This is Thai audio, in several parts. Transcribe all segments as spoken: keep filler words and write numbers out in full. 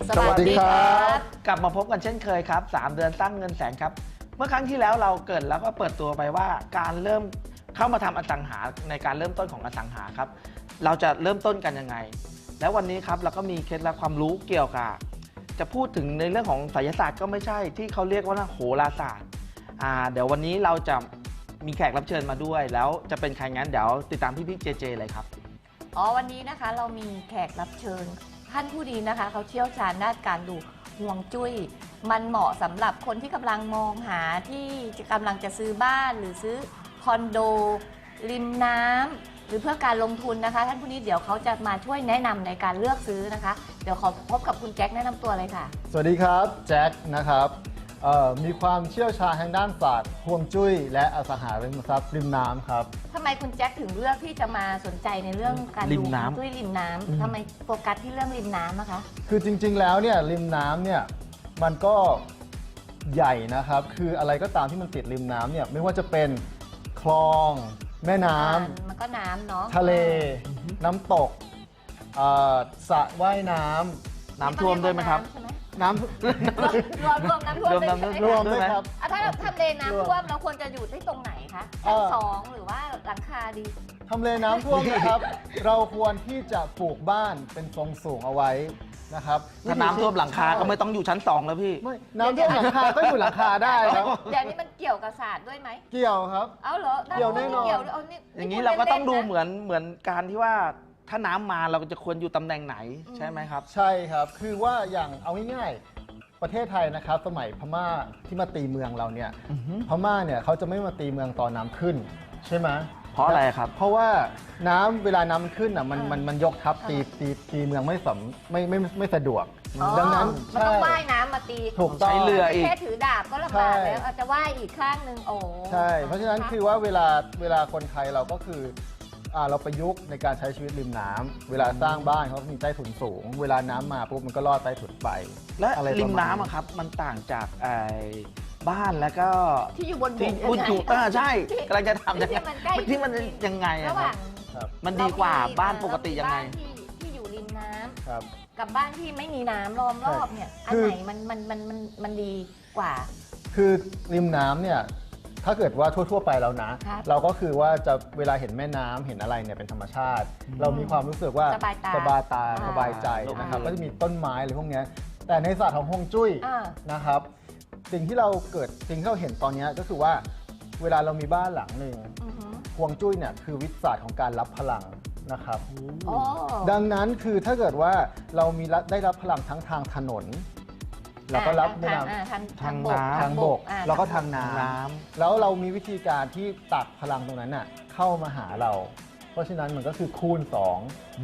สวัสดีครับกลับมาพบกันเช่นเคยครับสามเดือนสร้างเงินแสนครับเมื่อครั้งที่แล้วเราเกริดแล้วก็เปิดตัวไปว่าการเริ่มเข้ามาทำอสังหาในการเริ่มต้นของอสังหาครับเราจะเริ่มต้นกันยังไงแล้ววันนี้ครับเราก็มีเคล็ดลับความรู้เกี่ยวกับจะพูดถึงในเรื่องของไสยศาสตร์ก็ไม่ใช่ที่เขาเรียกว่าโหราศาสตร์อ่าเดี๋ยววันนี้เราจะมีแขกรับเชิญมาด้วยแล้วจะเป็นใครงั้นเดี๋ยวติดตามพี่พี่เจเจเลยครับอ๋อวันนี้นะคะเรามีแขกรับเชิญท่านผู้ดีนะคะเขาเชี่ยวชาญด้านการดูห่วงจุ้ยมันเหมาะสำหรับคนที่กำลังมองหาที่กำลังจะซื้อบ้านหรือซื้อคอนโดริมน้ำหรือเพื่อการลงทุนนะคะท่านผู้นี้เดี๋ยวเขาจะมาช่วยแนะนำในการเลือกซื้อนะคะเดี๋ยวขอพบกับคุณแจ็คแนะนำตัวเลยค่ะสวัสดีครับแจ็คนะครับมีความเชี่ยวชาญทางด้านศาสตร์ห่วงจุ้ยและอสังหาริมทรัพย์ริมน้ำครับทำไมคุณแจ็คถึงเลือกที่จะมาสนใจในเรื่องการดูห่วงจุ้ยริมน้ำทำไมโฟกัสที่เรื่องริมน้ำนะคะคือจริงๆแล้วเนี่ยริมน้ำเนี่ยมันก็ใหญ่นะครับคืออะไรก็ตามที่มันติดริมน้ำเนี่ยไม่ว่าจะเป็นคลองแม่น้ำมันก็น้ำเนาะทะเลน้ำตกสระว่ายน้ำน้ำท่วมด้วยไหมครับน้ำรวมรวมน้ำท่วมรวมน้ำรวมด้วยครับถ้าเราทำเลน้ำท่วมเราควรจะอยู่ที่ตรงไหนคะชั้นสองหรือว่าหลังคาดีทำเลน้ำท่วมนะครับ เราควรที่จะปลูกบ้านเป็นทรงสูงเอาไว้นะครับถ้าน้ำท่วมหลังคาก็ไม่ต้องอยู่ชั้นสองแล้วพี่ไม่น้ำท่วมหลังคาก็อยู่หลังคาได้ครับเดี๋ยวนี้มันเกี่ยวกับศาสตร์ด้วยไหมเกี่ยวครับเอาเหรอเกี่ยวแน่นอนอย่างนี้เราก็ต้องดูเหมือนเหมือนการที่ว่าถ้าน้ำมาเราจะควรอยู่ตำแหน่งไหนใช่ไหมครับใช่ครับคือว่าอย่างเอาง่ายๆประเทศไทยนะครับสมัยพม่าที่มาตีเมืองเราเนี่ยพม่าเนี่ยเขาจะไม่มาตีเมืองตอนน้ำขึ้นใช่ไหมเพราะอะไรครับเพราะว่าน้ำเวลาน้ำมันขึ้นอ่ะมันมันมันยกทับตีตีตีเมืองไม่สำไม่ไม่ไม่สะดวกดังนั้นมันต้องว่ายน้ำมาตีถูกต้องใช้เรืออีกแค่ถือดาบก็ลำบากแล้วอาจจะว่ายอีกข้างหนึ่งโอ้ใช่เพราะฉะนั้นคือว่าเวลาเวลาคนไทยเราก็คือเราประยุกต์ในการใช้ชีวิตริมน้ำเวลาสร้างบ้านเขามีใต้ถุนสูงเวลาน้ำมาปุ๊บมันก็ลอดใต้ถุนไปและริมน้ำครับมันต่างจากบ้านแล้วก็ที่อยู่บนบกที่อยู่อ่าใช่กำลังจะทำยังไงที่มันยังไงอะครับมันดีกว่าบ้านปกติยังไงที่อยู่ริมน้ำกับบ้านที่ไม่มีน้ำล้อมรอบเนี่ยอันไหนมันมันมันมันมันดีกว่าคือริมน้ำเนี่ยถ้าเกิดว่าทั่วๆไปแล้วนะเราก็คือว่าจะเวลาเห็นแม่น้ำเห็นอะไรเนี่ยเป็นธรรมชาติเรามีความรู้สึกว่าสบายตาสบายตาสบายใจนะครับก็จะมีต้นไม้อะไรพวกนี้แต่ในศาสตร์ของฮวงจุ้ยนะครับสิ่งที่เราเกิดสิ่งที่เราเห็นตอนนี้ก็คือว่าเวลาเรามีบ้านหลังหนึ่งฮวงจุ้ยเนี่ยคือวิทยาศาสตร์ของการรับพลังนะครับดังนั้นคือถ้าเกิดว่าเรามีได้รับพลังทั้งทางถนนเราก็รับแม่น้ำทางบกทางบกแล้วก็ทางน้ำแล้วเรามีวิธีการที่ตักพลังตรงนั้นน่ะเข้ามาหาเราเพราะฉะนั้นมันก็คือคูณสอง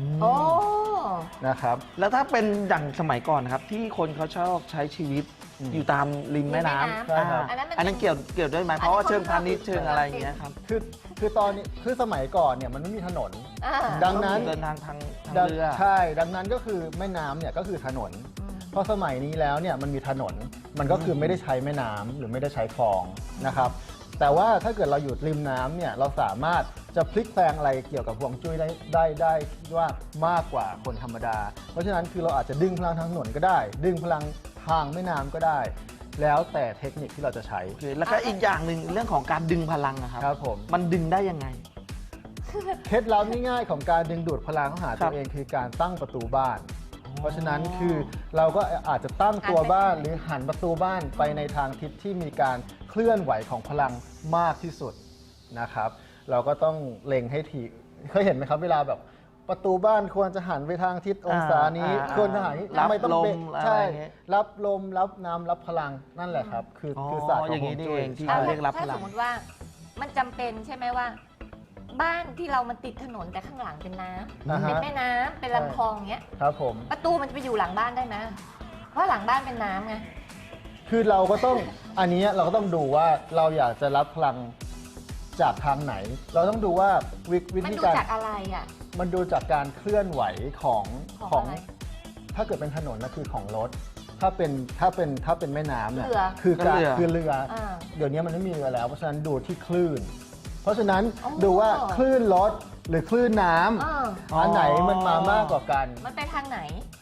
นะครับแล้วถ้าเป็นอย่างสมัยก่อนครับที่คนเขาชอบใช้ชีวิตอยู่ตามริมแม่น้ำอันนั้นเกี่ยวเกี่ยวด้วยไหมเพราะว่าเชิงพาณิชย์เชิงอะไรอย่างเงี้ยครับคือคือตอนนี้คือสมัยก่อนเนี่ยมันไม่มีถนนดังนั้นเดินทางทางเรือใช่ดังนั้นก็คือแม่น้ำเนี่ยก็คือถนนพอสมัยนี้แล้วเนี่ยมันมีถนนมันก็คือไม่ได้ใช้แม่น้ำหรือไม่ได้ใช้คลองนะครับแต่ว่าถ้าเกิดเราอยู่ริมน้ำเนี่ยเราสามารถจะพลิกแปลงอะไรเกี่ยวกับฮวงจุ้ยได้ได้ได้คิดว่ามากกว่าคนธรรมดาเพราะฉะนั้นคือเราอาจจะดึงพลังทางถนนก็ได้ดึงพลังทางแม่น้ำก็ได้แล้วแต่เทคนิคที่เราจะใช้แล้วก็อีกอย่างหนึ่งเรื่องของการดึงพลังนะครับครับผมมันดึงได้ยังไงเคล็ดลับง่ายๆของการดึงดูดพลังเข้าหาตัวเองคือการตั้งประตูบ้านเพราะฉะนั้นคือเราก็อาจจะตั้งตัวบ้านหรือหันประตูบ้านไปในทางทิศที่มีการเคลื่อนไหวของพลังมากที่สุดนะครับเราก็ต้องเล็งให้ถี่เคยเห็นไหมครับเวลาแบบประตูบ้านควรจะหันไปทางทิศองศานี้ควรจะหันรับลมใช่รับลมรับน้ำรับพลังนั่นแหละครับคือคือศาสตร์ของฮวงจุ้ยที่เรียกรับพลังถ้าสมมติว่ามันจำเป็นใช่ไหมว่าบ้านที่เรามันติดถนนแต่ข้างหลังเป็นน้ำเป็นแม่น้ำเป็นลำคลองเงี้ยครับผมประตูมันจะไปอยู่หลังบ้านได้ไหมเพราะหลังบ้านเป็นน้ำไงคือเราก็ต้องอันนี้เราก็ต้องดูว่าเราอยากจะรับพลังจากทางไหนเราต้องดูว่าวิธีการมันดูจากอะไรอ่ะมันดูจากการเคลื่อนไหวของของถ้าเกิดเป็นถนนนะคือของรถถ้าเป็นถ้าเป็นถ้าเป็นแม่น้ำเนี่ยคือการคือเรือเดี๋ยวนี้มันไม่มีเรือแล้วเพราะฉะนั้นดูที่คลื่นเพราะฉะนั้นดูว่าคลื่นรถหรือคลื่นน้ำอันไหนมันมามากกว่ากันมันไปทางไหน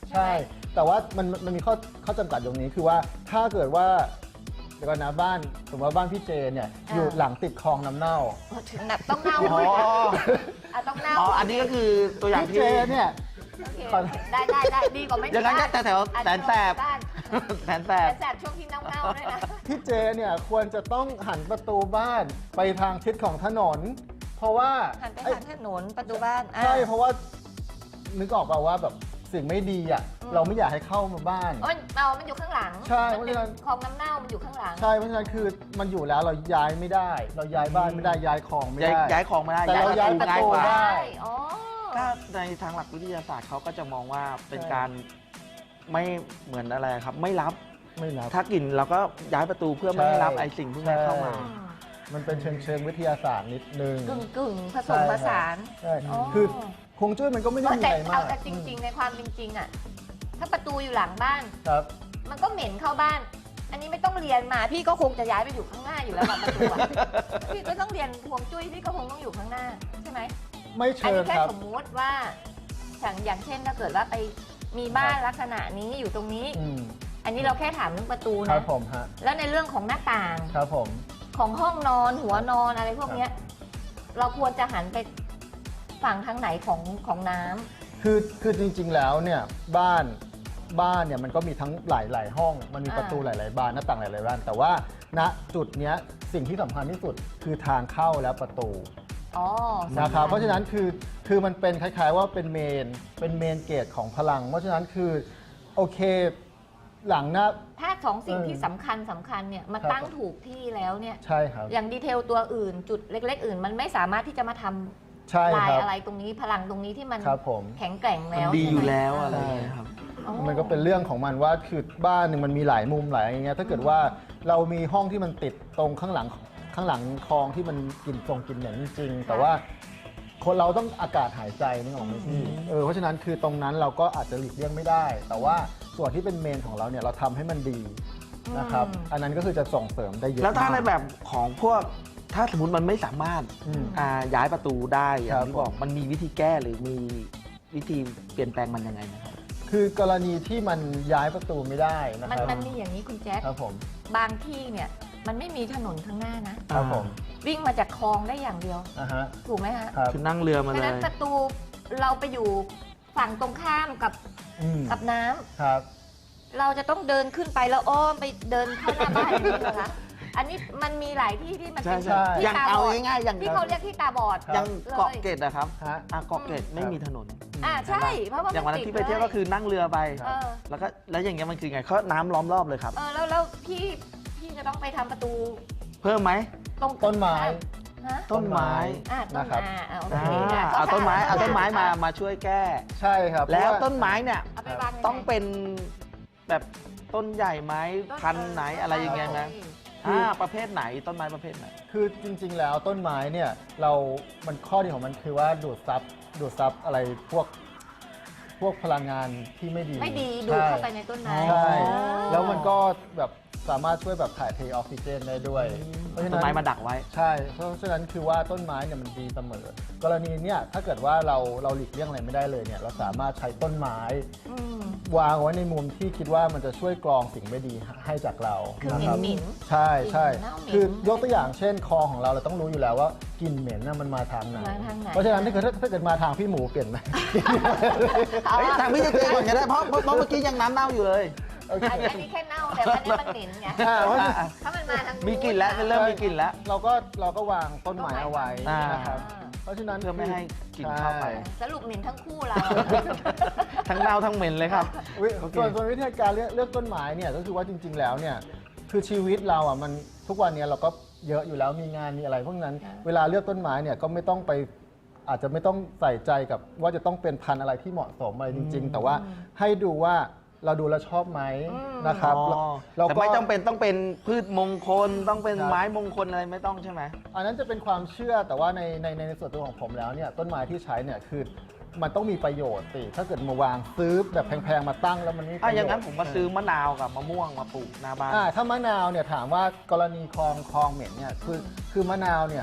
ใช่ แต่ว่ามันมันมีข้อข้อจำกัดตรงนี้คือว่าถ้าเกิดว่าเดี๋ยวก่อนนะบ้านสมมติว่าบ้านพี่เจเนี่ยอยู่หลังติดคลองน้ำเน่าถึงหนักต้องเน่าอ๋ออ่ะต้องเน่าอ๋ออันนี้ก็คือตัวอย่างพี่ที่เจเนี่ยโอเคขอได้ได้ได้ดีกว่าไม่อย่างนั้นก็แต่แถวอาจแสจะนแสบบ้านแสนแสแสบนแสบช่วงที่เน่าๆด้วยนะพี่เจเนี่ยควรจะต้องหันประตูบ้านไปทางทิศของถนน เพราะว่าหันไปเอ้ยทางถนนประตูบ้านอ่ะใช่เพราะว่านึกออกเปล่าว่าแบบสิ่งไม่ดีอ่ะอืมเราไม่อยากให้เข้ามาบ้านอ๋อมันเอามันอยู่ข้างหลังใช่มันเพราะเป็นฉะนั้นคลองน้ำเน่ามันอยู่ข้างหลังใช่เพราะฉะนั้นคือมันอยู่แล้วเราย้ายไม่ได้ เราย้ายบ้านไม่ได้ย้ายของไม่ย้ายได้ย้ายของไม่ได้แต่เราย้ายประตูง่ายกว่าได้อ๋อถ้าในทางหลักวิทยาศาสตร์เขาก็จะมองว่าเป็นใช่การไม่เหมือนอะไรครับ ไม่รับไม่รับถ้ากลิ่นเราก็ย้ายประตูเพื่อไม่ให้รับใช่ไอสิ่งพวกนี้เข้ามาใช่ มันเป็นเชิงเชิงวิทยาศาสตร์นิดนึงกึ่งกึ่งๆผสมผสานใช่อ๋อคือคงจุ้ยมันก็ไม่ได้มีแต่อะไรมาเอากแต่จริง ๆ ในความเป็นจริงอ่ะถ้าประตูอยู่หลังบ้านครับมันก็เหม็นเข้าบ้าน อันนี้ไม่ต้องเรียนมา พี่ก็คงจะย้ายไปอยู่ข้างหน้าอยู่แล้วอะประตูอะ พี่ก็ต้องเรียนฮวงจุ้ยพี่ก็คงต้องอยู่ข้างหน้าใช่ไหมไม่อันเชินี้งแค่ครับสมมุติว่าอย่างอย่างเช่นถ้าเกิดว่าไปมีบ้านลักษณะนี้อยู่ตรงนี้อืมอันนี้เราแค่ถามเรื่องประตูครันะบผมฮะแล้วในเรื่องของหน้าต่างครับผมของห้องนอนหัวนอนอะไรพวกเนี้ยเราควรจะหันไปฝั่งทางไหนของของน้ำคือคือจริงๆแล้วเนี่ยบ้านบ้านเนี่ยมันก็มีทั้งหลายหลายห้อง มันมีอ่าประตูหลายๆบานหน้าต่างหลายๆบานแต่ว่าณจุดเนี้ยสิ่งที่สำคัญที่สุดคือทางเข้าและประตูอ๋อนะครับสำญเพราะฉะนั้นคือคือมันเป็นคล้ายๆว่าเป็นเมนเป็นเมนเกตของพลัง เพราะฉะนั้นคือโอเคหลังหน้าถ้าสองสิ่งเออที่สำคัญสำคัญเนี่ยมาครับตั้งถูกที่แล้วเนี่ยใช่ครับอย่างดีเทลตัวอื่นจุดเล็ก ๆ อื่น มันไม่สามารถที่จะมาทำใช่ลายครับอะไรตรงนี้พลังตรงนี้ที่มันครับผมแข็งแกร่งมันแล้วดีใช่ไหมอยู่แล้วาอะไรอย่างเงี้ยครับอ๋อมันก็เป็นเรื่องของมันว่าคือบ้านหนึ่งมันมีหลายมุมหลายอย่างเงี้ยถ้าเกิดว่าเรามีห้องที่มันติดตรงข้างหลังข้างหลังคลองที่มันกลิ่นทรงกลิ่นเหม็นจริงๆแต่ว่าคนเราต้องอากาศหายใจนึกออกไหมพี่เออเพราะฉะนั้นคือตรงนั้นเราก็อาจจะหลีกเลี่ยงไม่ได้ แต่ว่าส่วนที่เป็นเมนของเราเนี่ยเราทำให้มันดีนะครับอืมอันนั้นก็คือจะส่งเสริมได้เยอะแล้วถ้าในมกแบบของพวกถ้าสมมติมันไม่สามารถอืมอ่าย้ายประตูได้อย่าครังบที่บอกมันมีวิธีแก้หรือมีวิธีเปลี่ยนแปลงมันยังไงนะครับคือกรณีที่มันย้ายประตูไม่ได้นะมันครับมันมีอย่างนี้คุณแจ๊คครับผมบางที่เนี่ยมันไม่มีถนนข้างหน้านะครับผมวิ่งมาจากคลองได้อย่างเดียวอ่าฮะถูกไหมฮะครับคือนั่งเรือมาเพราะเลฉะนั้นยประตูเราไปอยู่ฝั่งตรงข้ามกับอืมกับน้ำครับเราจะต้องเดินขึ้นไปแล้วอ้อมไปเดินเข้าหน้าบ้านอย่างนี้เหรอคะ อันนี้มันมีหลายที่ที่มันใช่เป็นใช่ที่อย่างตาเอาบอดง่ายๆอย่างที่เขาเรียกที่ตาบอดครับอย่างเลยเกาะเกร็ดนะครับฮะอ่ะเกาะเกร็ดไม่มีถนนอ่าใช่ เพราะว่าอย่างวันนั้นติดที่ไปเที่ยวก็คือนั่งเรือไปเออแล้วก็แล้วอย่างเงี้ยมันคือไงเขาน้ำล้อมรอบเลยครับเออแล้วแล้วพี่พี่จะต้องไปทำประตูเพิ่มไหมตรงต้นไม้ฮะต้นไม้อ่าต้นนะครับอ่าอ่าโออ่าเคนะเอาต้นไม้เอาต้นไม้มาเอมาช่วยแก้ใช่ครับแล้วเพราะาต้นไม้เนี่ยาไปวางยังไงต้องเป็นแบบต้นใหญ่ไหมต้พันธุ์ไหนอะไรยังไงนะเอออ่าประเภทไหนต้นไม้ประเภทไหนคือจริง ๆ แล้วต้นไม้เนี่ยเรามันข้อดีของมันคือว่าดูดซับดูดซับอะไรพวกพวกพลังงานที่ไม่ดีไม่ดีดูดเข้าไปในต้นไม้ใช่อ๋อแล้วมันก็แบบสามารถช่วยแบบถ่ายเทออกซิเจนได้ด้วย เพราะฉะต้นั้น นไม้มาดักไว้ใช่ เพราะฉะนั้นคือว่าต้นไม้เนี่ยมันดีเสมอ กรณีเนี่ยถ้าเกิดว่าเราเราหลีกเลี่ยงอะไรไม่ได้เลยเนี่ยเราสามารถใช้ต้นไม้อืมวางไว้ในมุมที่คิดว่ามันจะช่วยกรองสิ่งไม่ดีให้จากเราคือนะเหม็ครันบเหม็นใช่ใช่กลิ่นเน่าเหม็นคือยกตัวอย่างเช่นคอของเราเราต้องรู้อยู่แล้วว่ากลิ่นเหม็นน่ะมันมาทางไหนมาทางไหนเพราะฉะนั้นถ้าเกิดถ้าเกิดมาทางพี่หมูเปลี่ยนไหมเอาเฮ้ยอะทางพี่จะเจก่อนก็ได้เพราะเพราะเพราะเมื่อกี้ยังน้ำเน่าอยู่เลยโอเคอันนี้อันนี้แค่เน่าแต่ว่าอันนี้มันเหม็นไงอ่าเพราะฉะนั้นถ้ามันมาทางมีกลิ่นแล้วเริ่มมีกลิ่นแล้วเราก็เราก็วางต้นไม้เอาไว้อ่านนะครับ เพราะฉะนั้นเพื่อไม่ให้กลิ่นเข้าไปใช่สรุปเหม็นทั้งคู่เราทั้งเน่าทั้งเหม็นเลยครับวิโอเคส่วนส่วนวิธีการเลือกเลือกต้นไม้เนี่ยก็คือว่าจริง ๆ แล้วเนี่ยคือชีวิตเราอ่ะมันทุกวันเนี้เราก็เยอะอยู่แล้วมีงานมีอะไรพวกนั้นค่ะเวลาเลือกต้นไม้เนี่ยก็ไม่ต้องไปอาจจะไม่ต้องใส่ใจกับว่าจะต้องเป็นพันธุ์อะไรที่เหมาะสมอะไรจริง ๆ แต่ว่าให้ดูว่าเราดูแลวชอบไหมอืมนะครับอ๋อเราแต่ก็ไม่จำเป็นต้องเป็นพืชมงคลต้องเป็นครับไม้มงคลอะไรไม่ต้องใช่ไหมอันนั้นจะเป็นความเชื่อแต่ว่าในในในส่วนตัวของผมแล้วเนี่ยต้นไม้ที่ใช้เนี่ยคือมันต้องมีประโยชน์สิถ้าเกิดมาวางซื้อแบบแพงๆมาตั้งแล้วมันไม่มีปอ่ะระโยชน์อย่างนั้นผมมาซื้อมะนาวกับมะม่วงมาปลูกหน้าบ้านอ่าถ้ามะนาวเนี่ยถามว่ากรณีคลองคลองเหม็นเนี่ยคือคือมะนาวเนี่ย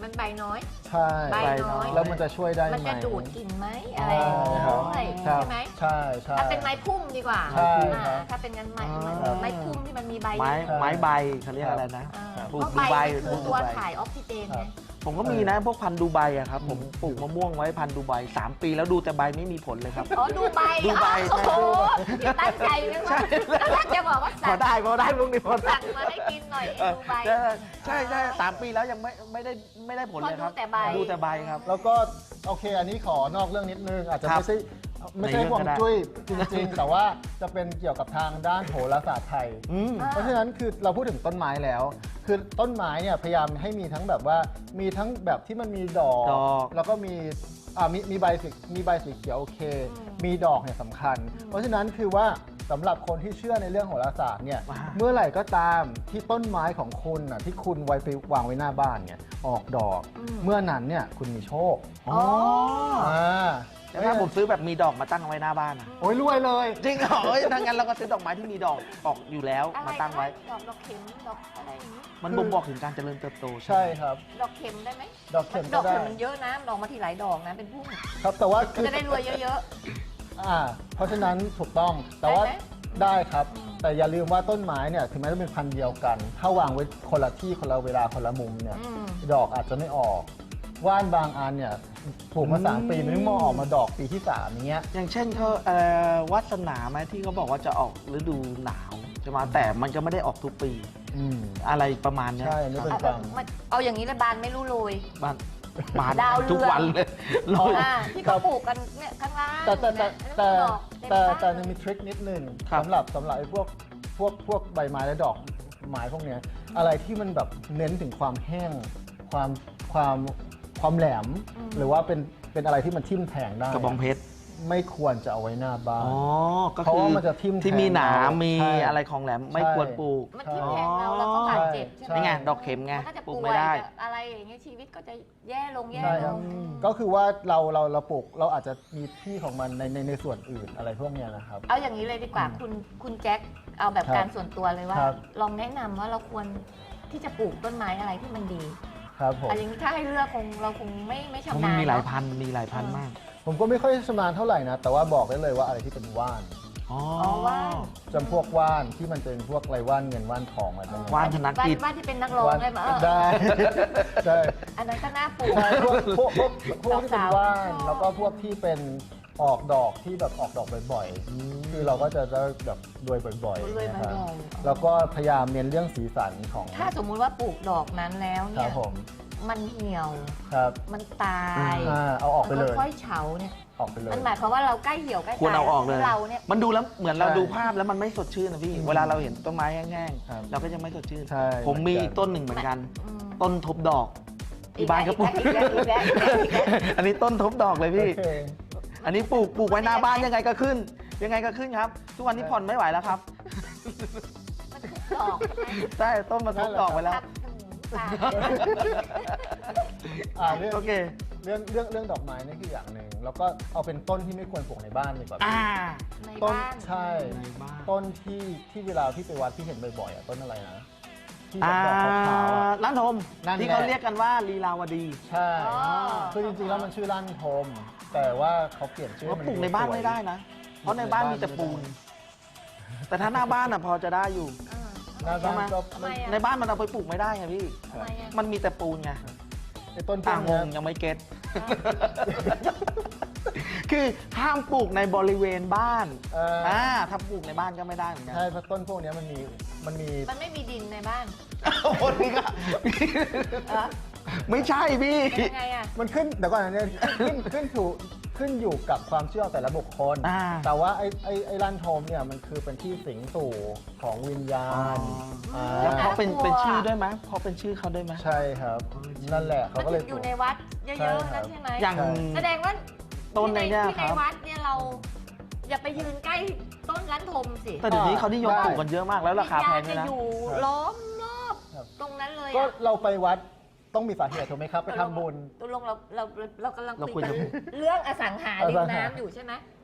มันใบน้อยใช่ใบใบน้อยแล้วมันจะช่วยได้ไหมมันจะดูดกลิ่นไหมอะไรอย่างเงี้ยครับด้วยครับใช่ไหมใช่ใช่ถ้าเป็นไม้พุ่มดีกว่าใช่อ่าครับถ้าเป็นงั้นไม้อ่าไม้ไม้พุ่มที่มันมีใบไม้เยอะไม้ใบเขาเรียกอะไรนะอ่าครับเพราะดูใบใบมันคือดูตัวใบถ่ายออกซิเจนไงผมก็มีนะพวกพันธุ์ดูไบอะครับผมปลูกมะม่วงไว้พันธุ์ดูไบสามปีแล้วดูแต่ใบไม่มีผลเลยครับอ๋อดูใบดูใบอ๋อโอ้โหพี่ตั้งใจเลยว่าแล้วถ้าจะบอกว่าพสั่อง ได้พอได้พวกนี้พอได้สั่งมาให้กินหน่อยเอไอ้อดูใบใช่ใช่ใช่สามปีแล้วยังไม่ไม่ได้ไม่ได้ผลเลยครับเพราะดูแต่ใบดูแต่ใบครับแล้วก็โอเคอันนี้ขอนอกเรื่องนิดนึงอาจจะครับไม่ใช่ไม่ใช่ในเรื่องห่วงก็ได้จุ้ยจริงๆ แต่ว่าจะเป็นเกี่ยวกับทางด้านโหราศาสตร์ไทยอืมอ่าเพราะฉะนั้นคือเราพูดถึงต้นไม้แล้ว คือต้นไม้เนี่ยพยายามให้มีทั้งแบบว่ามีทั้งแบบที่มันมีดอกดอกแล้วก็มีอ่ามีมีใบสีมีใบสีเขียวโอเค มีดอกเนี่ยสำคัญ เพราะฉะนั้นคือว่าสำหรับคนที่เชื่อในเรื่องโหราศาสตร์เนี่ยว้าเมื่อไหร่ก็ตามที่ต้นไม้ของคุณน่ะที่คุณไว้ไปวางไว้หน้าบ้านเนี่ยออกดอก เมื่อนั้นเนี่ยคุณมีโชคอ๋ออ่าแล้วถ้าผมซื้อแบบมีดอกมาตั้งไว้หน้าบ้านอะโอ้ยรวยเลยจริงเหรอเอ้ยถ้างั้นเราก็ซื้อดอกไม้ที่มีดอกออกอยู่แล้วอะไรมาตั้งไว้นะดอกดอกเข็มดอกอะไรอย่างนี้มันบ่งบอกถึงการเจริญเติบโตใช่ครับดอกเข็มได้ไหมดอกเข็มดก็อกได้เข็มมันเยอะนะดอกมาทีหลายดอกนะเป็นพุ่มครับแต่ว่าคือจะได้รวยเยอะอ่าเพราะฉะนั้นถูกต้องแต่ว่าได้ไหมได้ครับอืมแต่อย่าลืมว่าต้นไม้เนี่ยถึงแม้จะเป็นพันธุ์เดียวกัน ถ้าวางไว้คนละที่คนละเวลาคนละมุมเนี่ยๆอืมดอกอาจจะไม่ออกว่านบางอันเนี่ยปลูกมาสามปีมันไม่มาออกมาดอกปีที่สามอย่างเงี้ยอย่างเช่นเขาเอ่อวัสนาไหมที่เขาบอกว่าจะออกฤดูหนาวใช่ไหมแต่มันก็ไม่ได้ออกทุกปีอืมอะไรประมาณเนี้ยใช่นี่เป็นเอาความมันเอาอย่างนี้ละบานไม่รู้โรยบ้านบานดาวเรืองทุกวันเลยโรยอ่าที่เขาปลูกกันเนี่ยข้างล่างแต่แต่แต่แต่ดอกเมแต่บ้านแต่มันมีทริคนิดนึงครับสำหรับสำหรับไอ้พวกพวกพวกใบไม้และดอกไม้พวกเนี้ยอะไรที่มันแบบเน้นถึงความแห้ง ความความความแหลม หรือว่าเป็นเป็นอะไรที่มันทิ่มแทงได้กระบองเพชรไม่ควรจะเอาไว้หน้าบ้านอ๋อก็เพราะคือว่ามันจะทิ่มที่มีหนามแทงเรามีมีใช่อะไรของแหลมไม่ใช่ควรปลูกมันทิ่มแทงเราแล้วก็บาดเจ็บใช่ไหมนี่ไงดอกเข็มไงมันก็จะปลูป่กวไม่ยได้จะอะไรอย่างเงี้ยชีวิตก็จะแย่ลงแย่ใช่ลครับงก็คือว่าเราเราเราปลูกเราอาจจะมีที่ของมันในในในส่วนอื่นอะไรพวกเนี้ยนะครับเอาอย่างนี้เลยดีกว่าคุณคุณแจ็คเอาแบบครับการส่วนตัวเลยว่าครับลองแนะนำว่าเราควรที่จะปลูกต้นไม้อะไรที่มันดีครับผมอันนี้ถ้าให้เลือกคงเราคงไม่ไม่ชำมันาญนมีหลายเนอะพันธุ์มีหลายพันธุ์มากผมก็ไม่ค่อยชำนาญเท่าไหร่นะ แต่ว่าบอกได้เลยว่าอะไรที่เป็นว่านอ๋ออ๋อว่านจำพวกว่านที่มันเป็นพวกไรว่านเงินว่านทองอะไรพวกเนี้ยว่านธนกิจว่านที่เป็นนักร้องว่านได้ไหมเออได้ ได้อันนั้นก็น่าปลูกใช่พวกพวกพวกพวกที่เป็นสาวๆว่านชอบแล้วก็พวกที่เป็นออกดอกที่แบบออกดอกบ่อยๆคือเราก็จะได้แบบรวยบ่อยๆรวยนะมาครับบ่อยแล้วก็พยายามเน้นเรื่องสีสันของถ้าสมมุติว่าปลูกดอกนั้นแล้วคเนี่รัยบผมมันเหี่ยวครับมันตายอ่าเอาออกไปเลยมันค่อยๆเฉาเนี่ยออกไปเลยมันหมายความว่าเราใกล้เหี่ยวใกล้ควรตายเอาออกเลยเราเนี่ยมันดูแล้วเหมือนเราใช่ดูภาพแล้วมันไม่สดชื่นนะพี่อืมเวลาเราเห็นต้นไม้แห้งครับๆเราก็จะไม่สดชื่นใช่ผมมีเหมือนกันอีกต้นหนึ่งเหมือนกันอืมต้นทบดอกที่บ้านก็ปลูกอีกแล้วอีกแล้วอีกแล้วอีกแล้วอันนี้ต้นทบดอกเลยพี่โอเคอันนี้ปลูกปลูกไว้หน้าบ้านยังไงก็ขึ้น ยังไงก็ขึ้นครับ ทุกวันนี้ผ่อนไม่ไหวแล้วครับมันคือดอกใช่ไหมใช่ต้นมาทบดอกไปแล้วครับอืมตายอ่าเรื่องโอเคเรื่องเรื่องเรื่องดอกไม้นี่คืออย่างหนึ่งแล้วก็เอาเป็นต้นที่ไม่ควรปลูกในบ้านดีกว่าอ่าในต้นบ้านใช่ในบ้านต้นที่ที่เวลาที่ไปวัดที่เห็นบ่อยๆอ่ะต้นอะไรนะที่แบอ่าบดอกขาวๆอ่ะล้านทมนั่นแหละที่เขาเรียกกันว่าลีลาวดีใช่อ๋อคือจริงๆแล้วมันชื่อลั่นทม แต่ว่าเขาเปลี่ยนชื่อว่าให้มัปลูกในบ้านไม่ได้นะ เพราะในบ้านมีแต่ปูน แต่ถ้าหน้าบ้านอ่ะพอจะได้อยู่อ่าหน้าบ้านก็ทำไมอะในบ้านมันเอาไปปลูกไม่ได้ไงพี่ทำไมอะมันมีแต่ปูนไงไอ้ต้นพวต่าก งงเนี้ยงยังไม่เก็ต คือห้ามปลูกในบริเวณบ้านเอ่อออ่าถ้าปลูกในบ้านก็ไม่ได้เหมือนกันใช่เพราะต้นพวกเนี้ยมันมีมันมีมันไม่มีดินในบ้านโอ้โหนี่ก็เหรอไม่ใช่พี่เป็นยังไงอ่ะมันขึ้นเดี๋ยวก่อนนะเนี่ยขึ้นขึ้นถูกขึ้นอยู่กับความเชื่อแต่ละบุคคลอ่าแต่ว่าไอ้ไอ้ไอ้ลั่นโทมเนี่ยมันคือเป็นที่สิงสู่ของวิญญาณอ๋อาแล้วเขาเป็นน่ากลัวเป็นชื่อด้วยไหมเพราะเป็นชื่อเขาด้วยไหมใช่ครับ นั่นแหละเขามันก็เลยถึงอยู่ในวัดเยใช่อะๆครันั่บนใช่ไหมอย่างใช่แสดงว่าต้นในเนี่ยที่คในรับวัดเนี่ยเรา อย่าไปยืนใกล้ต้นลันทมสิแต่เดี๋ยวนี้เขานิยมได้ปลูกกันเยอะมากแล้วราคาแพงวิด้ญวยญณนะจะอยู่ครับล้อมรอบครับตรงนั้นเลยก็อะเราไปวัดต้องมีสาเหตุถูกไหมครับ ไปทำบุญตกลงเราเราเรากำลังเราคุยคุยกันกับเรื่องอสังหาริอสัมงหาน้ำอยู่ใช่ไหม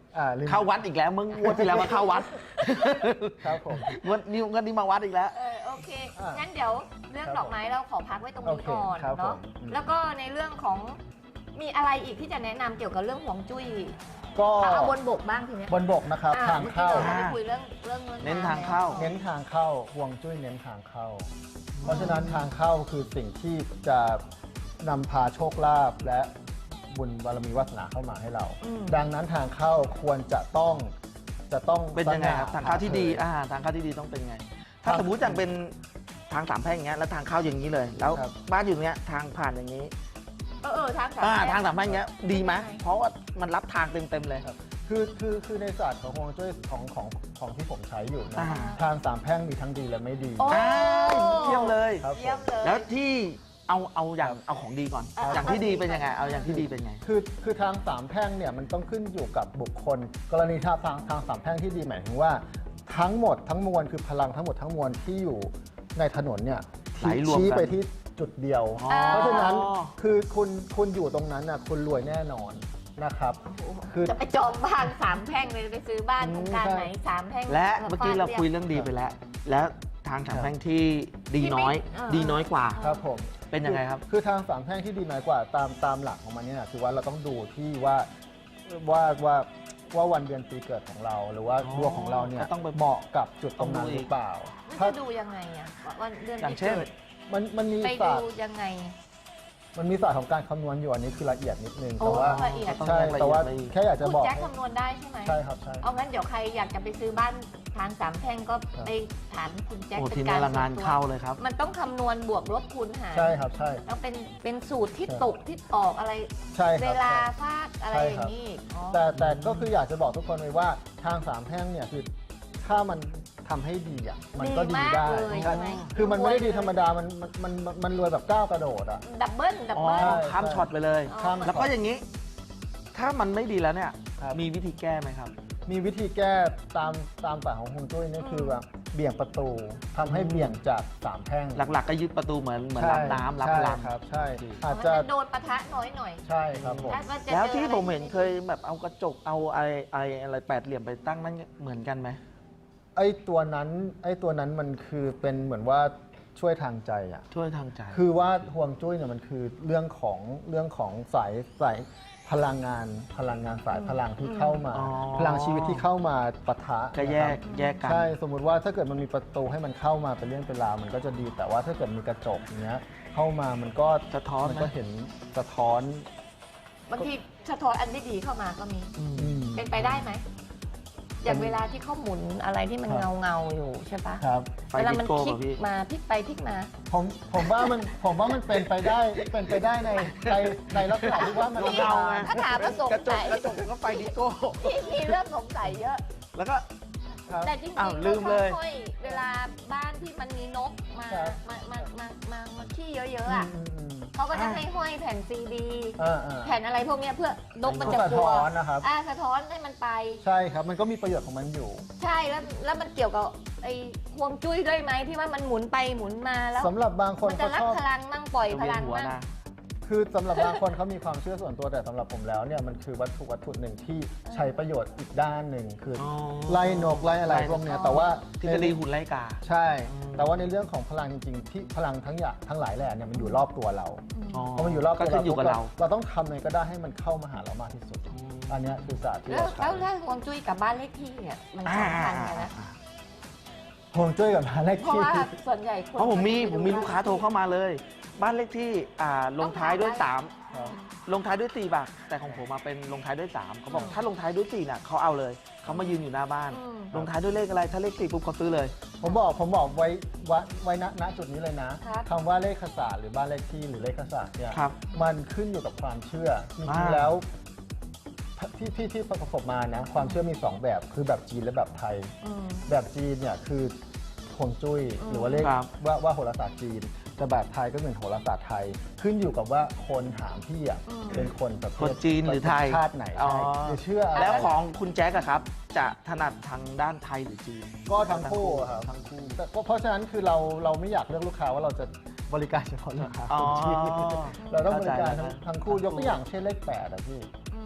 อ่าริมเข้าวัดอีกแล้วมึงงวดที่แล้วมาเข้าวัดครับผมงวดนี้งวดนี้มาวัดอีกแล้วเออโอเคอ่ะงั้นเดี๋ยวเรื่องครับดอกไม้เราขอพักไว้ตรงนี้โอเคก่อนครับเนาะผมอืมแล้วก็ในเรื่องของมีอะไรอีกที่จะแนะนำเกี่ยวกับเรื่องห่วงจุ้ยก็เอาบนบกบ้างทีเนี้ยบนบกนะครับอ่ทางเข้ามื่อกี้เราไปคุยเรื่องเรื่องรื่องเน้นทางเข้าเน้นทางเข้าห่วงจุ้ยเน้นทางเข้า เพราะฉะนั้นทางเข้าคือสิ่งที่จะนำพาโชคลาภและบุญบารมีวาสนาเข้ามาให้เราอืมดังนั้นทางเข้าควรจะต้องจะต้องเป็นยังไงครับสทางง่เข้าที่ดีผ่อ่าทางเข้าที่ดีต้องเป็นไง ถ้าทางสมมุติอย่างเป็นทางสามแพร่งอย่างเงี้ยแล้วทางเข้าอย่างนี้เลย แล้วครับบ้านอยู่เนี้ยทางผ่านอย่างนี้เออเออทางสามอ่าแพร่งทางสามแพร่งอย่างเงี้ยดีไหมเพราะว่ามันรับทางเต็มๆเลยครับคือคือคือในศาสตร์ของฮวงจุ้ยของของของที่ผมใช้อยู่นะอ่าทางสามแพร่งมีทั้งดีและไม่ดีโอ้อ่าเยี่ยมเลยครับผเยี่ยมมเลยแล้วที่เอาเอาอย่างเอาของดีก่อนอ่ะอย่างที่ดีเป็นยังไงเอาอย่างที่ดีเป็นไงคือคือทางสามแพร่งเนี่ยมันต้องขึ้นอยู่กับบุคคล กรณีถ้าทางทางสามแพร่งที่ดีหมายถึงว่า ทั้งหมดทั้งมวลคือพลังทั้งหมดทั้งมวลที่อยู่ในถนนเนี่ยไหลรวมกันชี้ไปที่จุดเดียวอ๋อเพราะฉะนั้นคือคุณคุณอยู่ตรงนั้นน่ะคุณรวยแน่นอนนะครับ คือจะไปจองบ้านสามแพร่งเลยไปซื้อบ้านอืมโครงการใช่ไหนสามแพร่งและเมื่อกี้เราคุยฟดเรื่องดีไปแล้ว แล้วทางสามแพร่งที่ดีที่ไม่น้อยเออดีน้อยกว่าครับผมเป็นยังไงครับคือทางสามแพร่งที่ดีน้อยกว่าตามตามหลักของมันเนี่ยนะคือว่าเราต้องดูที่ว่าว่าว่าว่าวันเดือนปีเกิดของเรา หรือว่าอ๋อดวงของเราเนี่ยก็ต้องไปเหมาะกับจุดตรงนั้นต้องดูอีกหรือเปล่ามันถ้าจะดูยังไงอ่ะวันเดือนอย่างปีเช่นเกิดมันมันมีไปศาดูสตร์ยังไงมันมีศาสตร์ของการคำนวณอยู่อันนี้คือละเอียดนิดนึงโอ้แต่ว่าละเอียดต้องใช่แยกละเอียดแต่ว่าไปอีกแค่อยากจะคุณบอกแจ็คให้คำนวณได้ใช่ไหมใช่ครับใช่เอางั้นเดี๋ยวใครอยากจะไปซื้อบ้านทางสามแพร่งก็ครับไปถามคุณแจ็คโอ้เป็ทีนนี้การละงานส่วนตัวเข้าเลยครับมันต้องคำนวณบวกลบคูณหารใช่ครับใช่แล้วเป็นเป็นสูตรที่ใช่ตกที่ออกอะไรใช่คเวรับลาใช่ฟาดอะไรใช่อครับย่างนี้อีกอ๋อแต่แต่ก็คืออยากจะบอกทุกคนเลยว่าทางสามแพร่งเนี่ยคือถ้ามันทำให้ดีอ่ะมันก็ดีมากได้เลยใช่ใช่ไหมคือมันไม่ได้ดีธรรมดามันมันมันมันมันรวยแบบก้าวกระโดดอ่ะดับเบิ้ลดับอ๋อเบิ้ลใช่ข้ามช็อตไปเลยอ๋อข้ามแล้วก็อย่างนี้ ถ้ามันไม่ดีแล้วเนี่ยครับมีวิธีแก้ไหมครับมีวิธีแก้ตามตามศาสตร์ของฮวงจุ้ยนี่คือแบบเบี่ยงประตูทำให้เบี่ยงจากสามแพร่งหลักๆก็ยึดประตูเหมือนเหมือนรับน้ำรับพลังใช่ครับใช่โอเคอาจมันจะจะโดนปะทะน้อยหน่อยใช่ครับผมถ้ามันจะแล้วจอที่อะไรผมเห็นเคยแบบเอากระจกเอาอะไรอะไรอะไรแปดเหลี่ยมไปตั้งนั่นเหมือนกันไหมไอ้ตัวนั้นไอ้ตัวนั้นมันคือเป็นเหมือนว่าช่วยทางใจอ่ะช่วยทางใจคือว่าฮวงจุ้ยเนี่ยมันคือเรื่องของเรื่องของสายสายพลังงานพลังงานสายพลังที่เข้ามาอ๋อพลังชีวิตที่เข้ามาปะทะก็แยกนะครับแยกกันใช่สมมุติว่าถ้าเกิดมันมีประตูให้มันเข้ามาเป็นเรื่องเป็นราวมันก็จะดี แต่ว่าถ้าเกิดมีกระจกอย่างเงี้ยเข้ามามันก็สะท้อนมันไหมก็เห็นสะท้อนบางทีสะท้อนอันไม่ดีเข้ามาก็มีอืมอืมเป็นไปได้ไหม อย่างเวลาที่เขาหมุนอะไรที่มันครับเงาเงาๆอยู่ใช่ปะครับไฟเวลาดิมันโก้พลิป่ะกพี่มาพลิกไปพลิกมาผมผมว่ามันผมว่ามันเป็นไปได้เป็นไปได้ในในในลักษณะที่ว่ามันเงาไงถ้าถามว่าสงกระจกสัยกระจกก็ไฟดิโก้พี่มีเรื่องสงสัยเยอะแล้วก็ครับแต่จริงๆอ้าวเขาลืมเลยค่อยๆเวลาบ้านที่มันมีนกมาครับมามามามามาขี้เยอะๆอ่ะอืมอืมเขาก็จะให้ห้อยแผ่นซีดีอ่าอ่าแผ่นอะไรพวกเนี้ยเพื่อนกมันจะสะกลัท้วอนนะครับอ่าสะท้อนให้มันไปใช่ครับมันก็มีประโยชน์ของมันอยู่ใช่แล้วแล้วมันเกี่ยวกับไอ้ฮวงจุ้ยด้วยไหมที่ว่ามันหมุนไปหมุนมาแล้วสำหรับบางคนมันจะเขารับชอบพลังมั่งปล่อยพลังหัวมั่งนะคือสำหรับบางคนเขามีความเชื่อส่วนตัวแต่สำหรับผมแล้วเนี่ยมันคือวัตถุวัตถุหนึ่งที่ใช้ประโยชน์อีกด้านหนึ่งคือออไล่นกไล่อะไรพวกเนี้ยแต่ว่าทฤษฎีหุ่นไล่กาใช่อืมแต่ว่าในเรื่องของพลังจริงๆที่พลังทั้งอย่างทั้งหลายแหล่เนี่ยมันอยู่รอบตัวเราอ๋อพอมันอยู่รอบก็ตัวขึ้นอยู่กับเราเราต้องทำยังไงก็ได้ให้มันเข้ามาหาเรามากที่สุด อันเนี้ยคือศาสตร์ที่แล้วเราแล้วใช้แล้วฮวงจุ้ยกับบ้านเลขที่เนี่ยมันสำคัญกันนะห่วงจุ้ยกับหาเลขเพราะที่ว่าส่วนใหญ่คนเพราะผมมีจะไปผมมีลูกค้าโทรเข้ามาเลย บ้านเลขที่อ่าลงท้ายด้วยสามครับลงท้ายด้วยสี่บาทแต่ของผมมาเป็นลงท้ายด้วยสามเขาบอกอืมถ้าลงท้ายด้วยสี่น่ะเขาเอาเลยเขามายืนอยู่หน้าบ้านอืมลงท้ายด้วยเลขอะไรถ้าเลขสี่ปุ๊บเขาซื้อเลยผมบอกผมบอกไว้ไว้ไว้ณณจุดนี้เลยนะครับ คำว่าเลขศาสตร์หรือบ้านเลขที่หรือเลขศาสตร์เนี่ยครับมันขึ้นอยู่กับความเชื่อจริงอ่าๆแล้วที่ที่ที่ประสบมานะความเชื่อมีสองแบบคือแบบจีนและแบบไทยอืมแบบจีนเนี่ยคือฮวงจุ้ยอืมหรือว่าเลขครับว่าว่าโหราศาสตร์จีนแต่แบบไทยก็เหมือนโหราศาสตร์ไทย ขึ้นอยู่กับว่าคนถามพี่อ่ะเป็นคนประเภคนทจีนหรือไทยชาติไหนอ๋อใช่หรือเชื่ออะไรแล้วของคุณแจ๊กอะครับ จะถนัดทางด้านไทยหรือจีนก็ทั้งคู่ครับทั้งคู่แต่เพราะเพราะฉะนั้นคือเราเราไม่อยากเลือกลูกค้าว่าเราจะบริการเฉพาะลูกค้าอ๋อคนจีนเราต้องบริการเข้าใจทั้งแล้วทั้งคู่ยกตัวอย่างเช่นเลขแปดอะพี่อืมท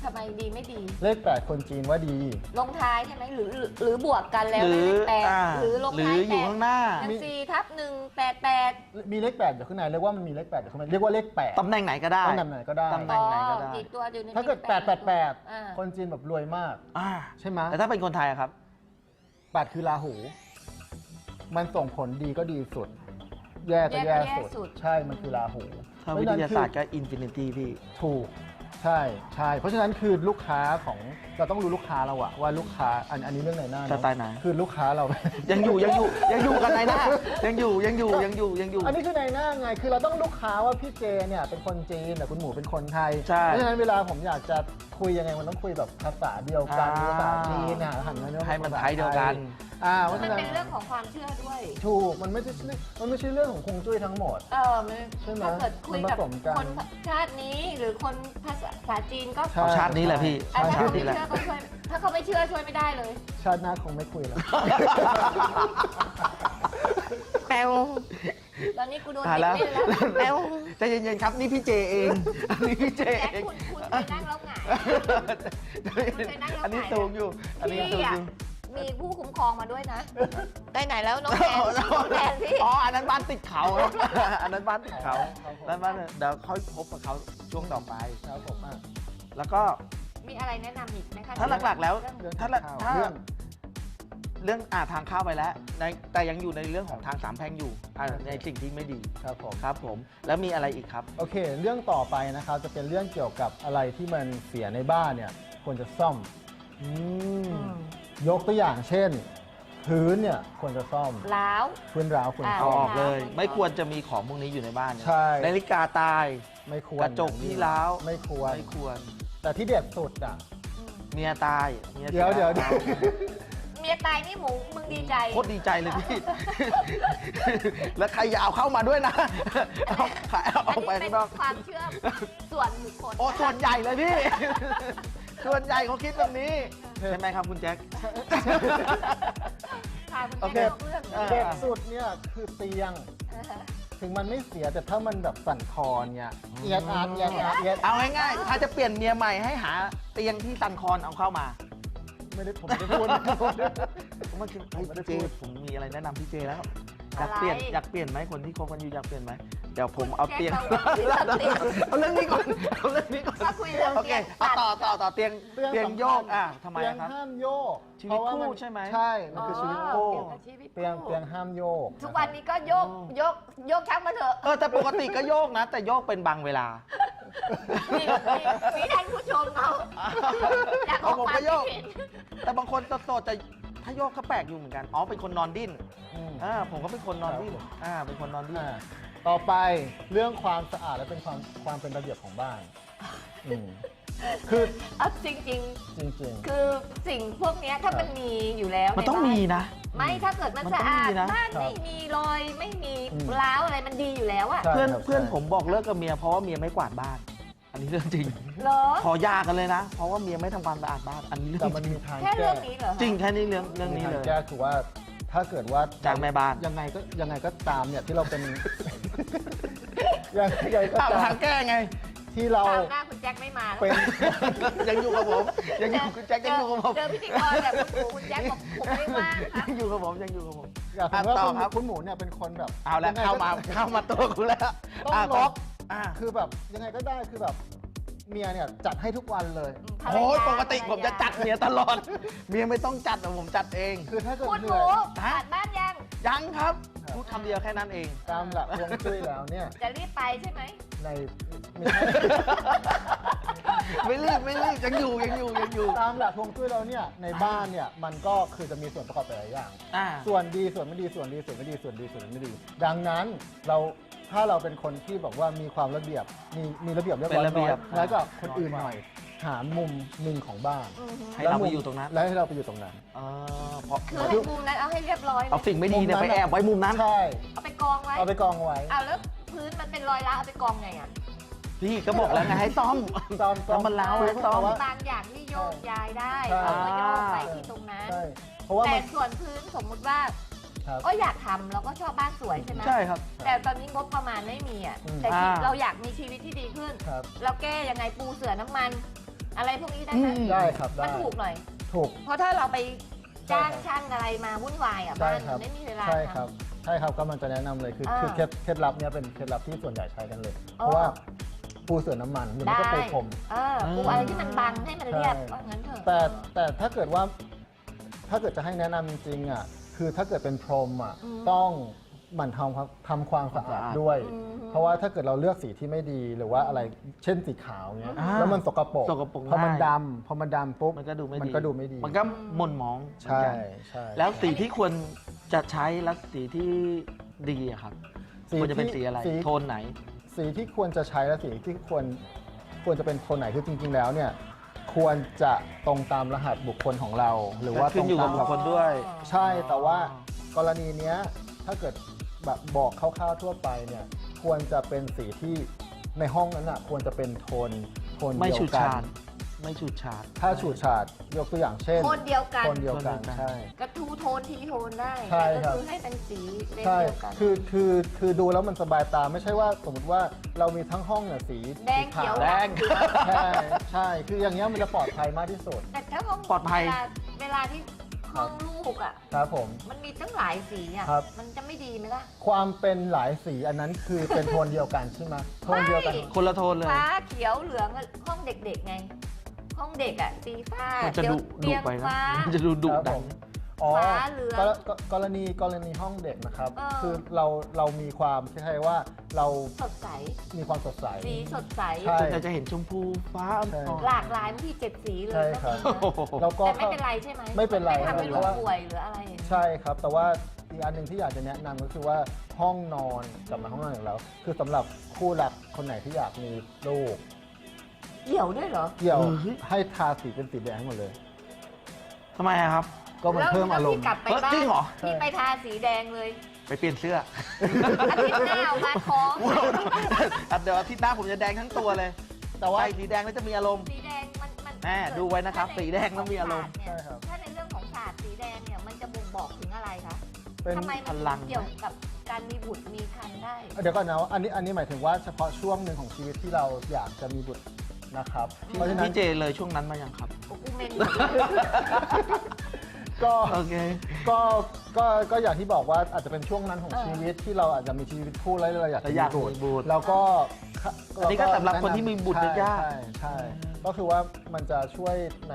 ทำไมดีไม่ดีเลขแปดคนจีนว่าดีลงท้ายใช่ไหมหรือหรือหรือบวกกันแล้วหรือได้เลขแปดอ่าหรือลงหรืท้าอย อยู่แปดข้างหน้าอย่างสี่ทับหนึ่งแปดแปดมีเลขแปดอยู่ข้างในเรียกว่ามันมีเลขแปดอยู่ข้างในเรียกว่าเลขแปดตำแหน่งไหนก็ได้ตำแหน่งไหนก็ได้ตำแหน่ง ไหนก็ได้กี่ตัวอยู่ในถ้าเกิดนี้แปดแปดแปดอ่าคนจีนแบบรวยมากอ่าใช่ไหมแต่ถ้าเป็นคนไทยอะครับแปดคือราหู มันส่งผลดีก็ดีสุด แย่ก็แย่สุด ใช่มันคือราหูถ้าวิทยาศาสตร์ก็อินฟินิตี้พี่ถูกใช่ใช่เพราะฉะนั้นคือลูกค้าของเราต้องรู้ลูกค้าเราอะว่าลูกค้าอันอันนี้เรื่องไหนหน้าสไตล์ไหนคือลูกค้าเรายังอยู่ยังอยู่ยังอยู่กันไหนนะยังอยู่ยังอยู่ยังอยู่ยังอยู่อันนี้คือในหน้าไง คือเราต้องลูกค้าว่าพี่เจเนี่ยเป็นคนจีนแต่คุณหมูเป็นคนไทยใช่เพราะฉะนั้นเวลาผมอยากจะคุยยังไงมันต้องคุยแบบภาษาเดียวกันอ่าภาษาจีนนะหันมาให้มันไทยเดียวกันอ่าเพมัราะนฉะนั้นเป็นเรื่องของความเชื่อด้วยถูกมันไม่ใช่มันไม่ใช่เรื่องของคงจุ้ยทั้งหมดเออมันใช่ไหมถ้าเกิดคุยกับมันผสมกันคนชาตินี้หรือคนภาษาจีนก็ใช่เอาชาตินี้แหละพี่อ่ะถ้าชาเขาติไม่นี้แหละเชื่อก็ช่วยถ้าเขาไม่เชื่อช่วยไม่ได้เลยชาติหน้าคงไม่คุยแล้วแปลวตอนนี้กูโดนตายเด็แล้วกเล่นแล้วแปลวใจเย็นๆครับนี่พี่เจเองอันนี้พี่เจแจ็คเองคุณคุณไปนั่งแล้วหงาย ไปนั่งแล้วอันนี้ถ่ายสูงอยู่ อันนี้สูงอยู่มีผู้คุ้มครองมาด้วยนะได้ไหนแล้วน้องแทนน้องแทนพี่อ๋ออันนั้นบ้านติดเขาครับอันนั้นบ้านติดเขาครับผมแล้วบ้านเดี๋ยวค่อยพบกับเขาช่วงต่อไปครับผมอ่ะแล้วก็มีอะไรแนะนำอีกไหมคะถ้าหลักๆแล้วเรื่องเรื่องถ้าละข่าวถ้าเรื่องเรื่องอ่าทางเข้าไปแล้วในแต่ยังอยู่ในเรื่องของทางสามแพร่งอยู่อ่าในสิ่งที่ไม่ดีครับผมครับผมแล้วมีอะไรอีกครับโอเค เรื่องต่อไปนะครับจะเป็นเรื่องเกี่ยวกับอะไรที่มันเสียในบ้านเนี่ยควรจะซ่อมอืมอืมยกตัวอย่างเช่น พื้นเนี่ยควรจะซ่อมล้าวพื้นร้าวควรอ่าเอาซ่ออมอกเลยไม่ไม่ควรควรจะมีของพวกนี้อยู่ในบ้านเนี่ยใช่นาฬิกาตายไม่ควรกระจกที่ร้าวไม่ควรไม่ควรแต่ที่เด็ดสุดอ่ะอืมเมียตายเมียเดี๋ยวสีเดี๋ยวเดี๋ยวเมียตายนี่หมูมึงดีใจโคตรดีใจเลยพี่ แล้วใครอย่าเอาเข้ามาด้วยนะ เอาขายเอาออัอน กไปนี้เป็ข้าน งนอกความเชื่อส่วนบุคคลโอ้ส่วนใหญ่เลยพี่ ส่วนใหญ่เขาคิดแบบนี้ ใช่ไหมครับคุณแจ็คค่ะคุณโอเคแม่เล่าเรื่องอ่าเด็ดสุดเนี่ยคือเตียงอ่าฮะถึงมันไม่เสียแต่ถ้ามันแบบสั่นคลอนเนี่ยเอียดอาร์ตเอียดอาร์ตเอียดเอาง่ายๆ ถ้าจะเปลี่ยนเมียใหม่ให้หาเตียงที่ซันคอนเอาเข้ามาไม่ได้ผมไม่ได้พูดมันคือเฮ้ยไม่ได้พี่เจพูดผมมีอะไรแนะนำพี่เจแล้ว อยากอะไรเปลี่ยนอยากเปลี่ยนไหมคนที่คบกันอยู่อยากเปลี่ยนไหมเดี๋ยวผมเอาเตียงแจ็คเราเตียงเอาเรื่องนี้ก่อนเอาเรื่องนี้ก่อนถ้าคุยเรื่องโอเคเตียงเอาต่อต่อต่อเตียงเตียงโยกอ่ะทำไมเตียงครับห้ามโยกชีวิตเพราะาคู่มันใช่ไหมใช่ มันคือชีวิตอ๋คู่อเกี่ยวกับชีวิตเตียงคู่เตียงห้ามโยกทุกวันนี้ก็โยกยกยกชักมาเถอะเออแต่ปกติก็โยกนะ แต่โยกเป็นบางเวลานี่นี่มีท่านผู้ชมเขาอยากอเอาอกผมควาก็มโยคิดกเห็นแต่บางคนโสดๆจะถ้าโยกก็แปลกอยู่เหมือนกันอ๋อเป็นคนนอนดิ้นอืมอ่าผมก็เป็นคนนอนดิ้นอ่าเป็นคนนอนดิ้นอ่าต่อไปเรื่องความสะอาดและเป็นความความเป็นระเบียบของบ้านอืมคือเอาจริงจริงๆ คือสิ่งพวกเนี้ยถ้ามันมีอยู่แล้วมันต้องใบ้ามีนะไม่ถ้าเกิดมันมันสะต้องอาดมีนะบ้านครับไม่มีรอยไม่มีอืมร้าวอะไรมันดีอยู่แล้วอะใช่เพื่อนครับเพื่อนใช่ผมบอกเลิกกับเมียเพราะว่าเมียไม่กวาดบ้าน อันนี้เรื่องจริงเหรอขอหยากันเลยนะ เพราะว่าเมียไม่ทำความสะอาดบ้าน อันนี้เรื่แต่องมันจริงมีทางแค่แก้เรื่องนี้เหรอจริงแค่นี้เรื่องเรื่องมีนี้ทางเลยแก้คือว่าถ้าเกิดว่าจากแม่บ้านยังไงก็ยังไงก็ตามเนี่ยที่เราเป็น ยังไงก็อ้าวตาทาม งแก้ไงที่เราตามหน้าคุณแจ็คไม่มาแล้วเป็นยังอยู่กับผม ยังอยู่คุณแจ็คยังอยู่กับผมเจอพิธีกรแบบคุณหมูคุณแจ็คบอกผมไม่ว่างครับยังอยู่กับผมยังอยู่กับผมอยากรู้ว่าอ่ะต่อคุณครับคุณหมูเนี่ยเป็นคนแบบเอาแล้วยังไงเข้าก็มาเข้ามาตัวกูแล้วต้องอ่ะล็อกอ่ะคือแบบยังไงก็ได้คือแบบเมียเนี่ยจัดให้ทุกวันเลยภรรยาโอ้ยปกติภรรยาผมจะจัดเมียตลอด เมียไม่ต้องจัดแต่ผมจัดเองคือถ้าเกิดคุณเหหนื่มูอยผ่านบ้านยังยังครับพูดคำเดียวแค่นั้นเองตามหลักฮวงจุ้ยแล้วเนี่ยจะรีบไปใช่ไหมในไม่ใช่ไม่รีบไม่รีบยังอยู่ยังอยู่ยังอยู่ตามหลักฮวงจุ้ยแล้วเนี่ยในบ้านเนี่ยมันก็คือจะมีส่วนประกอบหลายอย่างอ่าส่วนดีส่วนไม่ดีส่วนดีส่วนไม่ดีส่วนดีส่วนไม่ดี ดังนั้นเราถ้าเราเป็นคนที่บอกว่ามีความระเบียบมีมีระเบียบเรียบร้อยเป็นระเบียบน้อยแล้วก็คนอื่นหน่อย หามุมหนึ่งของบ้านอือฮึให้เราไปอยู่ตรงนั้นแล้วให้เราไปอยู่ตรงนั้นเออเพราะคือให้มุมนั้นเอาให้เรียบร้อยเอาสิ่งไม่ดีเนี่ยไปแอบไว้มุมนั้นใช่เอาไปกองไว้เอาไปกองไว้เอาแล้วพื้นมันเป็นรอยร้าวเอาไปกองไงอ่ะพี่ก็บอกแล้วไงให้ซ่อมซ่อมแล้วมันร้าวซ่อมให้ซ่อมเพราะว่าบางอย่างที่โยกย้ายได้ใช่เราก็โยกไปที่ตรงนั้นใช่เพราะว่าแต่มันส่วนพื้นสมมุติว่าครับก็อยากทำเราก็ชอบบ้านสวยใช่ไหมใช่ครับแต่ตอนนี้งบประมาณไม่มีอ่ะอืมแต่ที่อ่าเราอยากมีชีวิตที่ดีขึ้นครับเราแก้ยังไงปูเสือน้ำมันอะไรพวกนี้ได้อืไหมมได้ครับมันได้ถูกหน่อยถูกเพราะถ้าเราไปจ้างใช่ครับช่างอะไรมาวุ่นวายอ่ะใช่บ้านครับไม่มีเวลาใช่ทำครับใช่ครับก็มันจะแนะนำเลยคืออ่าคือเคล็ดเคล็ดลับเนี้ยเป็นเคล็ดลับที่ส่วนใหญ่ใช้กันเลยอ๋อเพราะว่าปูเสื่อน้ำมันหรือไม่ได้ก็ปูพรมเออปูอะไรที่มันบังให้มันเรียบใช่ว่างั้นเถอะแต่แต่ถ้าเกิดว่าถ้าเกิดจะให้แนะนำจริงๆอ่ะคือถ้าเกิดเป็นพรมอ่ะอืมต้องหมั่นทำความทำความสะอาดด้วยอืมเพราะว่าถ้าเกิดเราเลือกสีที่ไม่ดีหรือว่าอะไรเช่นสีขาวเนี้ยอ่าแล้วมันสกปรกสกปรกพอมันง่ายดำพอมันดำปุ๊บมันก็ดูไม่ดีมันก็ดูไม่ดีมันก็หม่นหมองใช่เหมือนกันใช่แล้วสีที่ควรจะใช้และสีที่ดีอะครับควรจะเป็นสีอะไร โทนไหนสีที่ควรจะใช้และสีที่ควรควรจะเป็นโทนไหนคือจริง ๆ แล้วเนี่ยควรจะตรงตามรหัสบุคคลของเรา หรือว่าขึ้ตรนงอยู่กัตาบมบุคคลด้วยใช่แต่ว่ากรณีเนี้ยถ้าเกิดแบบบอกคร่าวๆทั่วไปเนี่ยควรจะเป็นสีที่ในห้องนั้นอ่ะควรจะเป็นโทนโทนไม่เดียฉูวดกัฉาน ดไม่ฉูดฉาดถ้าฉูดฉาดยกตัวอย่างเช่นโทนเดียวกันโทนเดียวกันโทนเดียวกันใช่กระทูโทนทีโทนได้ใช่แต่ครัก็บคือให้เป็นสีเลนใช่เดียวกันคือคือคือดูแล้วมันสบายตาไม่ใช่ว่าสมมติว่าเรามีทั้งห้องเนี่ยสีแดงสีเขียวขาวแดงใช่ใช่คืออย่างเงี้ยมันจะปลอดภัยมากที่สุดแต่ถ้าห้องปลอดภัยเวลาเวลาที่ห้องลูกอ่ะครับผมมันมีตั้งหลายสีอ่ะครับมันจะไม่ดีไหมล่ะความเป็นหลายสีอันนั้นคือเป็นโทนเดียวกันใช่ไหมโทนเดียวกันไม่คนละโทนเลยฟ้าเขียวเหลืองห้องเด็กๆไง ห้องเด็กอ่ะสีฟ้ามันจะเดี๋ยวดุเตีดุยงไปนะฟ้ามันจะดูดุครับดัผงมอ๋อฟ้าเหลืองกรกรกรณีกรณีห้องเด็กนะครับเออคือเราเรามีความคล้ายๆว่าเราสดใสมีความสดใสสีสดใสใช่ส่วนใหญ่จะเห็นชมพูฟ้าอ่ใช่อนหลากหลายบางทีเจ็ดสีเลยใช่ก็ครับมีนะโอ้โหแล้วก็แต่ไม่เป็นไรใช่ไหมไม่เป็นไรไม่ทำให้เพลูราะกว่าป่วยหรืออะไรอย่างเงี้ยใช่ครับ แต่ว่าอีกอันหนึ่งที่อยากจะแนะนำก็คือว่าห้องนอนกลับมาห้องนอนอย่างแล้ว คือสำหรับคู่รักคนไหนที่อยากมีลูกเหี่ยวด้วยเหรอเกี่ยวเฮ้ยให้ทาสีเป็นสีแดงให้หมดเลยทำไมอะครับก็มันเพิ่มอารมณ์แล้วที่กลับไปเฮ้ยบ้าจรินงเหรอที่ไปทาสีแดงเลยไปเปลี่ยนเสื้ออาทิตย์หน้าเอามาท้องเดี๋ยวอาทิตย์หน้าผมจะแดงทั้งตัวเลย แต่ว่าสีแดงแล้วจะมีอารมณ์สีแดงมันมันแม่ดูไว้นะครับถ้าใสีแดงแล้วมีอารมณ์เนี่ยใช่ครับถ้าในเรื่องของศาสตร์สีแดงเนี่ยมันจะบ่งบอกถึงอะไรคะเป็นทำไมมันพลังเกี่ยวกับการมีบุตรมีครรภ์ได้เดี๋ยวก่อนนะอันนี้อันนี้หมายถึงว่าเฉพาะช่วงหนึ่งของชีวิตที่เราอยากจะมีบุตรนะครับ เพราะฉะนั้นพี่เจเลยช่วงนั้นมายังครับโอ้กูเมนก็โอเคก็ก็ก็อย่างที่บอกว่าอาจจะเป็นช่วงนั้นของชีวิตที่เราอาจจะมีชีวิตคู่แล้วเราอยากจะเราอยากมีมีบุตรแล้วก็อันนี้ก็สำหรับคนที่มีบุตรใช่ยากใช่ใช่ก็คือว่ามันจะช่วยใน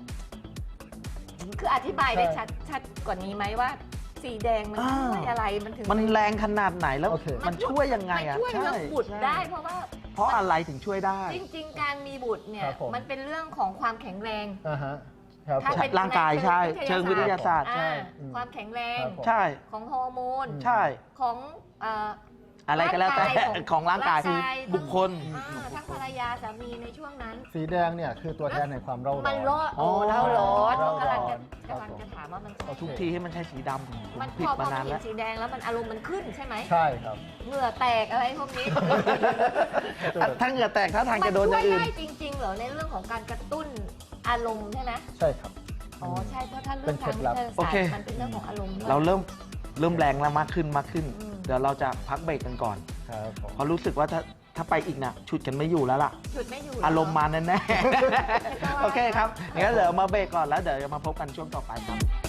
คืออธิบายได้ใช่ชัดชัดกว่านี้ไหมว่า สีแดงมันอ่าช่วยอะไรมันถึงมันแรงขนาดไหนแล้วโอเคมันช่วยยังไงมันอะช่วยเรื่องบุตรใช่ได้เพราะว่าเพราะอะไรถึงช่วยได้จริง ๆ การมีบุตรเนี่คยรับผมมันเป็นเรื่องของความแข็งแรงอ่าฮะครับผมถ้าเป็นร่างกายใช่เชิงวิทยาศาสตร์ใช่อ่าความแข็งแรงครับผมใช่ของฮอร์โมนใช่ของเอ่ออะไรก็แล้วแต่ร่างกายของของร่างกายร่างกายบุคคลอ่าทั้งภรรยาสามีในช่วงนั้นสีแดงเนี่ยคือตัวแทนในความเร่าร้อนมันร้อนโอ้อ๋อเล่าร้อนเล่าร้อนกำลังจะครับกำลังจะถามว่ามันโอเคทุกทีให้มันใช้สีดำผมมันผิดพอพมาอมันนานเห็แล้นวสีแดงแล้วมันอารมณ์มันขึ้นใช่ไหมใช่ครับเหงื่อแตกอะไรพวกนี้ถ้าเหงื่อแตกถ้าทางมัจะโดนอช่วย่าย งอื่นได้จริงๆเหรอในเรื่องของการกระตุ้นอารมณ์ใช่ไหมใช่ครับอ๋อใช่เพราะถ้าเป็เรื่องนเคทาล็งดวิลับทยาศาสตร์มันเป็นเรื่องของอารมณ์ด้วยเราเริ่มเริ่มแรงแล้วมากขึ้นมากขึ้นอืมเดี๋ยวเราจะพักเบรกกันก่อนครับผมเพราะรู้สึกว่าถ้าถ้าไปอีกนะฉุดกันไม่อยู่แล้วล่ะหยุดไม่อยู่อารมณ์มาแน่ไม่ต้องๆ โอเคครับงั้นเดี๋ยวมาเบรกก่อนแล้วเดี๋ยวจะมาพบกันช่วงต่อไปครับ